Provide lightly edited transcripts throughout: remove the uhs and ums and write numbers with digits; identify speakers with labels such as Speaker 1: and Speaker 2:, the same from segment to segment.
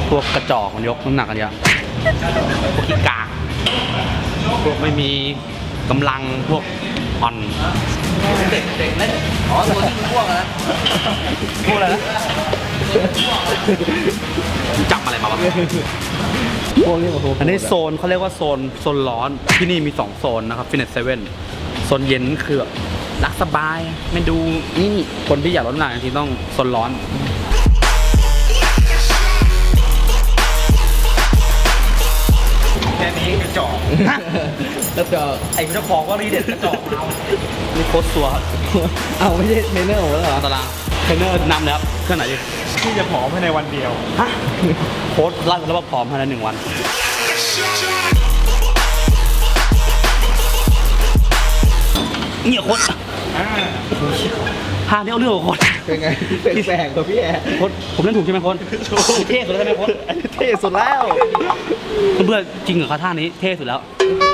Speaker 1: พวกกระจอกมันยกน้ำหนักกันเยอะพวกขี้กากพวกไม่มีกำลังพวกอ่อนเด็กเล่นอ๋อตัวที่พวกนะพวกอะไรนะจับอะไรมาวะ
Speaker 2: พวกนี้มาอั
Speaker 1: นนี้โซนเขาเรียกว่าโซนร้อนที่นี่มี2โซนนะครับฟิตเนสเซเว่นโซนเย็นคือรักสบายไม่ดูนี่คนที่อยากลดน้ำหนักจริงๆต้องโซนร้อน
Speaker 3: แค่นี้กระจอก
Speaker 2: แล้วก็
Speaker 3: ไอ้เจ้าของก็รีเด็ดกระจอกเอา
Speaker 1: นี่โค้ชซัว
Speaker 2: เอาไม่ใช่เทรนเนอร์ของเราเหรอ
Speaker 1: ตารางเทรนเนอร์นำเลยครับเครื่องไหนดี
Speaker 3: ที่จะผอมภายในวันเดียว
Speaker 1: ฮะโค้ชไล่แล้วว่าพร้อมภายใน1 วันเนี่ยโค้ชพาเนี่ยเอาเรื่องของโค้ช
Speaker 2: เป็นไงเป็นแปลกตัวพี่แอร์
Speaker 1: โค้ชผมเล่นถูกใช่ไหมโค้ชเท่สุดแล้วใช่ไหมโค้ช
Speaker 2: เท่สุดแล้ว
Speaker 1: เพื่อนจริงเหรอคะท่านี้เท่สุดแล้ว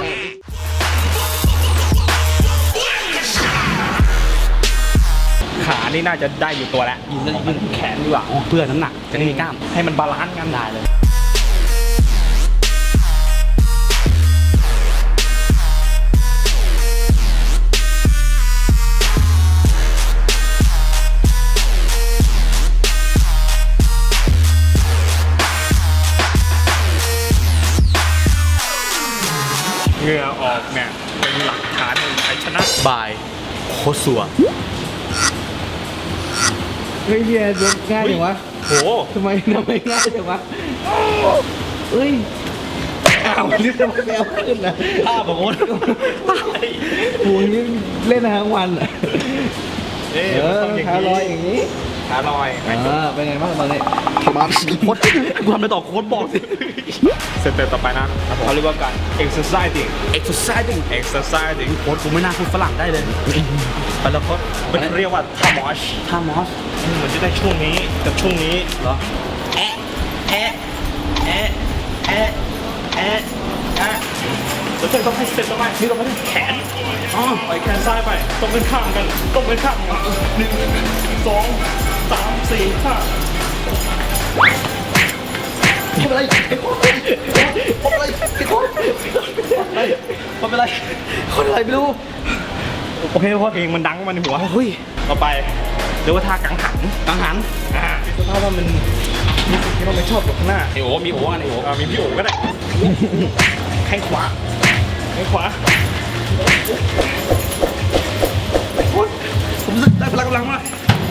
Speaker 3: ขานี่น่าจะได้อยู่ตัวแล้ว
Speaker 1: ยืนแขนดีกว่าเพื่อน้ำหนักจะได้มีกล้าม
Speaker 3: ให้มันบาลานซ์กันได้เลยเหงื่อออกเนี่ยเป็นหลักฐานแห่งชัยชนะ
Speaker 1: บายโคซัว
Speaker 2: เฮ้ยพี่แอร์ง่ายจังวะ
Speaker 3: โห
Speaker 2: ทำไมง่ายจังวะเฮ้ยอ้าวนี่ทำไมแมวขึ้นนะ
Speaker 1: ท่าบอกโค้ช
Speaker 2: โหนี่เล่นทั้งวันอ่ะขาลอยอย่างนี้
Speaker 3: ขาลอย
Speaker 2: เป็นไงบ้างตอนนี้
Speaker 1: มาโค้ชกูทำอะไรต่อโค้ชบอกสิ
Speaker 3: สเต็ปต่อไปนะเขาเรียกว่าการ exercising
Speaker 1: โค้ชกูไม่น่าพูดฝรั่งได้เลย
Speaker 3: ไปแล้วโค้ชมันเรียกว่าท่ามอสเหมือนจะได้ช่วงนี้กับช่วงนี้
Speaker 1: เหรอแอะ
Speaker 3: แล้วก็ต้องให้สเต็ปต่อไปนี่ต้องไปแขนปล่อยแขนซ้ายไปต้องเป็นข้างกันต้องเป็นข้างกัน1 2 3 4 5
Speaker 2: ทำอะไรคนอะไรไม่รู้
Speaker 3: โอเคเพราะเพลงมันดังมันหัวเฮ้ยต่อไปเรียกว่าท่ากังหันถ้าว่ามันมีสิ่งที่เราไม่ชอบอยู่ข้างหน้า
Speaker 1: มีโอกัน
Speaker 3: มีพี่โอ๋ก็ได้แข้งขวา
Speaker 1: ผมรู้สึกได้พลังกำลังมาก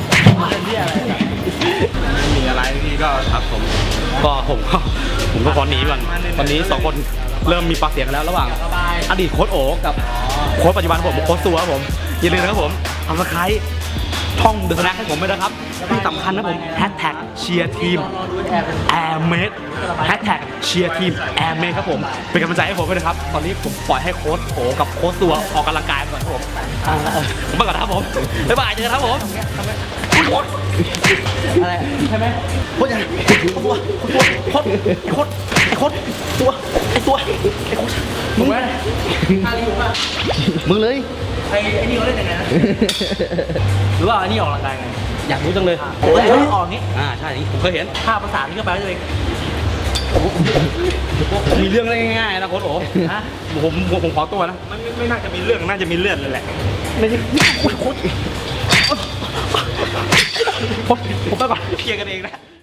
Speaker 1: มีอะไรนี่ก็ครับผมก็ขอหนีก่อนตอนนี้2 คนเริ่มมีปากเสียงกันแล้วระหว่างอดีตโค้ชโอ๋กับโค้ชปัจจุบันผมโค้ชซัวครับผมอย่าลืมนะครับผมทำสไครต์ท่องเดอะสแน็คให้ผมด้วยนะครับที่สำคัญนะผม#เชียร์ทีมแอร์เมด#เชียร์ทีมแอร์เมดครับผมเป็นกำลังใจให้ผมด้วยนะครับตอนนี้ผมปล่อยให้โค้ชโอ๋กับโค้ชซัวออกกำลังกายก่อนครับผมไปก่อนนะครับผมบ๊ายบายเจอกันครับผมโค้ช
Speaker 2: อะไรใช่ไหม
Speaker 1: โค้ชยังโค้ชมึงไหมมึงเลย
Speaker 3: ไอ้นี่เขาเล่นยังไงนะหรือว่าอันนี้ออกกำลังกายไง
Speaker 1: อยากรู้จังเลย
Speaker 3: โอ้ยออกนี้
Speaker 1: ใช่ผมเคยเห็น
Speaker 3: ภาพภาษาที่ก็แปลว่าตัวเอง
Speaker 1: มีเรื่องอะไรง่ายๆนะโค้ชโอ๋ผมขอตัวนะ
Speaker 3: ไม่น่าจะมีเรื่องน่าจะมีเลือดเลยแหละ
Speaker 1: ไม่ใช่โค้ชผมไปก่อนเคลียร์กันเองนะ